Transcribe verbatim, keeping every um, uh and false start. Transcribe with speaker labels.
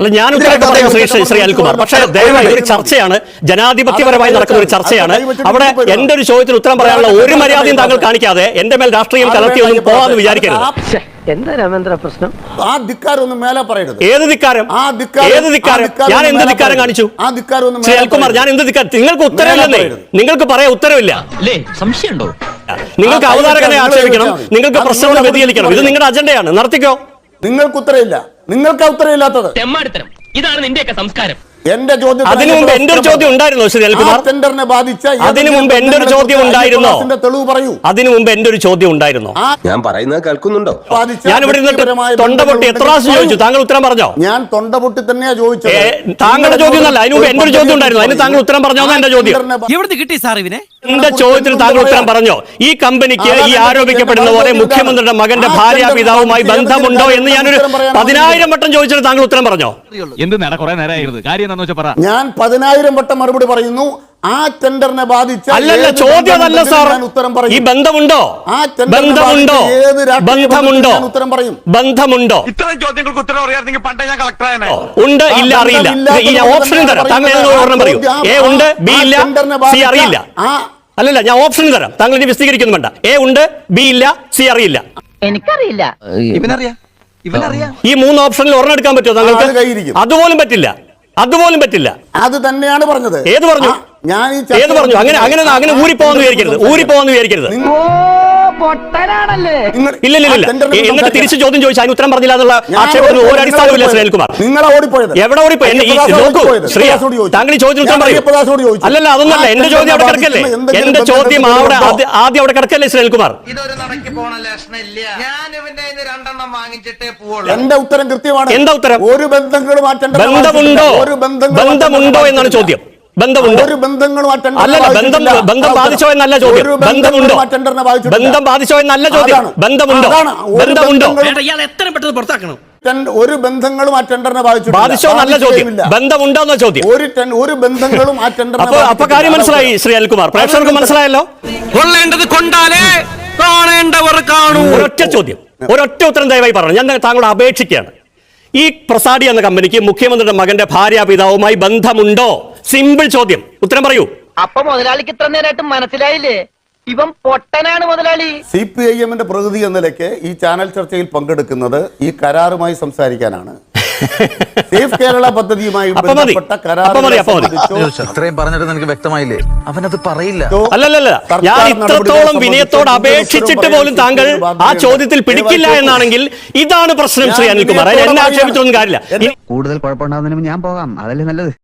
Speaker 1: അല്ല, ഞാൻ ഉത്തരവാദിത്തം പറയും ശ്രീ ശ്രീ അനിൽകുമാർ. പക്ഷേ ദയവായി ഒരു ചർച്ചയാണ്, ജനാധിപത്യപരമായി നടക്കുന്ന ഒരു ചർച്ചയാണ്. അവിടെ എന്റെ ഒരു ചോദ്യത്തിന് ഉത്തരം പറയാനുള്ള ഒരു മര്യാദയും താങ്കൾ കാണിക്കാതെ എന്റെ മേൽ രാഷ്ട്രീയം കലർത്തിയൊന്നും പോവാന്ന് വിചാരിക്കരുത്.
Speaker 2: എന്താ രാമേന്ദ്ര പ്രശ്നം?
Speaker 3: ആ ധിക്കാരം ഒന്നും മേലെ പറയരുത്.
Speaker 1: ഏത് ധിക്കാരം? ഏത് ധിക്കാരം? ഞാൻ എന്ത് ധിക്കാരം കാണിച്ചു? ശ്രീ അനിൽകുമാർ, ഞാൻ എന്ത് ധിക്കാരം? നിങ്ങൾക്ക് ഉത്തരവില്ലെന്നേ. നിങ്ങൾക്ക് പറയാൻ ഉത്തരവില്ല.
Speaker 2: സംശയമുണ്ടോ?
Speaker 1: നിങ്ങൾക്ക് അവതാരകനെ ആക്ഷേപിക്കണം, നിങ്ങൾക്ക് പ്രശ്നങ്ങൾ വ്യതിചലിക്കണം. ഇത് നിങ്ങളുടെ അജണ്ടയാണ്, നടത്തിക്കോ.
Speaker 3: നിങ്ങൾക്ക് ഉത്തരവില്ല. നിങ്ങൾക്ക് ഉത്തരവില്ലാത്തത്
Speaker 2: ഇതാണ് നിന്റെയൊക്കെ സംസ്കാരം.
Speaker 3: എന്റെ ചോദ്യം
Speaker 1: അതിനു മുമ്പ് എന്റെ ഒരു ചോദ്യം ഉണ്ടായിരുന്നോ ശ്രീ അനിൽകുമാർ?
Speaker 3: ടെൻഡറിനെ ബാധിച്ച
Speaker 1: അതിനു മുമ്പ് എന്റെ ഒരു ചോദ്യം ഉണ്ടായിരുന്നോ?
Speaker 3: തെളിവ് പറയൂ.
Speaker 1: അതിനു മുമ്പ് എന്റെ ഒരു ചോദ്യം ഉണ്ടായിരുന്നോ?
Speaker 4: ഞാൻ പറയുന്നത് കേൾക്കുന്നുണ്ടോ?
Speaker 1: ഞാൻ ഇവിടെ തൊണ്ട പൊട്ടി എത്ര പ്രാവശ്യം ചോദിച്ചു, താങ്കൾ ഉത്തരം പറഞ്ഞോ?
Speaker 3: ഞാൻ തൊണ്ട പൊട്ടി തന്നെയാ ചോദിച്ചത്.
Speaker 1: താങ്കളുടെ ചോദ്യം അല്ല, അതിന് മുമ്പ് എന്റെ ഒരു ചോദ്യം ഉണ്ടായിരുന്നു, അതിന് താങ്കൾ ഉത്തരം പറഞ്ഞോ? എന്റെ ചോദ്യം
Speaker 2: എവിടെ കിട്ടി സാർ ഇവനെ?
Speaker 1: എന്റെ ചോദ്യത്തിന് താങ്കൾ ഉത്തരം പറഞ്ഞോ? ഈ കമ്പനിക്ക് ഈ ആരോപിക്കപ്പെടുന്ന പോലെ മുഖ്യമന്ത്രിയുടെ മകന്റെ ഭാര്യ പിതാവുമായി ബന്ധമുണ്ടോ എന്ന് ഞാനൊരു പതിനായിരം വട്ടം ചോദിച്ചിട്ട് താങ്കൾ ഉത്തരം പറഞ്ഞോ?
Speaker 5: എന്ത് നേടാ കുറെ നേരമായിരുന്നു, കാര്യം എന്താണെന്ന് വെച്ചാൽ പറ.
Speaker 3: ഞാൻ പതിനായിരം വട്ടം മറുപടി പറയുന്നു. ആ ടെൻഡറിനെ ബാധിച്ച
Speaker 1: അല്ലല്ല, ചോദ്യം അതല്ല സാർ. ഈ ബന്ധമുണ്ടോ? ബന്ധമുണ്ടോ? ബന്ധമുണ്ടോ?
Speaker 3: ഉത്തരം പറയും.
Speaker 1: ബന്ധമുണ്ടോ?
Speaker 5: ഇത്തരം ചോദ്യങ്ങൾക്ക് ഉത്തരം അറിയാമെങ്കിൽ പണ്ടേ ഞാൻ കളക്ടറാണ്.
Speaker 1: ഉണ്ട്, ഇല്ല, അറിയില്ല. ഈ ഓപ്ഷനും തരാം, താങ്കൾ ഒരെണ്ണം പറയൂ. എ ഉണ്ട്, ബി ഇല്ല, സി അറിയില്ല. അല്ലല്ല, ഞാൻ ഓപ്ഷൻ തരാം, താങ്കൾ ഇനി വിശദീകരിക്കുന്നു വേണ്ട. എ ഉണ്ട്, ബി ഇല്ല, സി അറിയില്ല.
Speaker 2: എനിക്കറിയില്ല.
Speaker 5: ഇവനറിയാം, ഇവനറിയാം.
Speaker 1: ഈ മൂന്ന് ഓപ്ഷനിൽ ഒരെണ്ണം എടുക്കാൻ പറ്റുമോ താങ്കൾക്ക്? അതുപോലും പറ്റില്ല, അതുപോലും പറ്റില്ല.
Speaker 3: അത് തന്നെയാണ് പറഞ്ഞത്.
Speaker 1: ഏത് പറഞ്ഞു?
Speaker 3: ഞാൻ
Speaker 1: ഏത് പറഞ്ഞു? അങ്ങനെ അങ്ങനെ അങ്ങനെ ഊരിപ്പോവാന്ന് വിചാരിക്കരുത്, ഊരിപ്പോവാന്ന് വിചാരിക്കരുത്. ഇല്ല ഇല്ല ഇല്ല എന്നിട്ട് തിരിച്ചു ചോദ്യം ചോദിച്ചു അതിന് ഉത്തരം പറഞ്ഞില്ല എന്നുള്ള ആക്ഷേപത്തിന് ഒരു അടിസ്ഥാനമില്ല ശ്രീ അനിൽകുമാർ.
Speaker 3: നിങ്ങളെ ഓടിപ്പോയത്
Speaker 1: എവിടെ ഓടിപ്പോയി? ശ്രീ താങ്കൾ ഈ ചോദ്യത്തിന് ഉത്തരം പറയും. അല്ലല്ല, അതൊന്നല്ല, എന്റെ ചോദ്യം അവിടെ കിടക്കല്ലേ. എന്റെ ചോദ്യം അവിടെ ആദ്യം അവിടെ കിടക്കല്ലേ ശ്രീ അനിൽകുമാർ?
Speaker 3: എന്റെ ഉത്തരം കൃത്യമാണ്.
Speaker 1: എന്താ ഉത്തരം?
Speaker 3: ഒരു ബന്ധങ്ങളും
Speaker 1: ബന്ധമുണ്ടോ? ബന്ധമുണ്ടോ എന്നാണ് ചോദ്യം. ബന്ധമുണ്ടോ?
Speaker 3: ഒരു ബന്ധങ്ങളും
Speaker 1: അല്ലല്ല, ബന്ധം ബന്ധം ബാധിച്ചോ എന്നല്ല ചോദ്യം. ബന്ധമുണ്ടോ? ബന്ധം ബാധിച്ചോ എന്നല്ല ചോദ്യം. ബന്ധമുണ്ടോ? ബന്ധമുണ്ടോ?
Speaker 2: എത്ര പെട്ടെന്ന് പുറത്താക്കണം.
Speaker 3: ഒരു ബന്ധങ്ങളും ആ ടെൻഡറിനെ
Speaker 1: ബാധിച്ചോ എന്നല്ല ചോദ്യം. ബന്ധമുണ്ടോ എന്ന ചോദ്യം.
Speaker 3: ഒരു ഒരു ബന്ധങ്ങളും ആ ടെൻഡറിനെ
Speaker 1: അപ്പൊ അപ്പൊ കാര്യം മനസ്സിലായി ശ്രീ അനിൽകുമാർ, പ്രേക്ഷകർക്ക് മനസ്സിലായല്ലോ.
Speaker 2: കൊള്ളേണ്ടത് കൊണ്ടാലേ കാണേണ്ടവർ കാണൂ.
Speaker 1: ഒരൊറ്റ ചോദ്യം, ഒരൊറ്റ ഉത്തരം ദയവായി പറഞ്ഞു. ഞാൻ താങ്കളോട് അപേക്ഷിക്കുകയാണ്. ഈ പ്രസാദി എന്ന കമ്പനിക്ക് മുഖ്യമന്ത്രിയുടെ മകന്റെ ഭാര്യ പിതാവുമായി ബന്ധമുണ്ടോ? സിമ്പിൾ ചോദ്യം, ഉത്തരം പറയൂ.
Speaker 2: അപ്പൊ മുതലാളിക്ക് ഇത്ര നേരമായിട്ട് മനസ്സിലായില്ലേ ഇവൻ പൊട്ടനാണ് മുതലാളി?
Speaker 3: സി പി ഐ എമ്മിന്റെ പ്രതിനിധി എന്ന നിലയ്ക്ക് ഈ ചാനൽ ചർച്ചയിൽ പങ്കെടുക്കുന്നത് ഈ കരാറുമായി സംസാരിക്കാനാണ്. സേഫ് കേരള പദ്ധതിയുമായി ബന്ധപ്പെട്ട
Speaker 6: ഇത്രയും പറഞ്ഞിട്ട് എനിക്ക് വ്യക്തമായില്ലേ? അവനത് പറയില്ല.
Speaker 1: അല്ലല്ല, ഞാൻ ഇത്രത്തോളം വിനയത്തോട് അപേക്ഷിച്ചിട്ട് പോലും താങ്കൾ ആ ചോദ്യത്തിൽ പിടിക്കില്ല എന്നാണെങ്കിൽ ഇതാണ് പ്രശ്നം ശ്രീ അനിൽകുമാർ. എന്നെ ആക്ഷേപിച്ചൊന്നും കാര്യമില്ല.
Speaker 7: കൂടുതൽ കുഴപ്പമുണ്ടാകുന്നതിന് ഞാൻ പോകാം, അതല്ലേ നല്ലത്.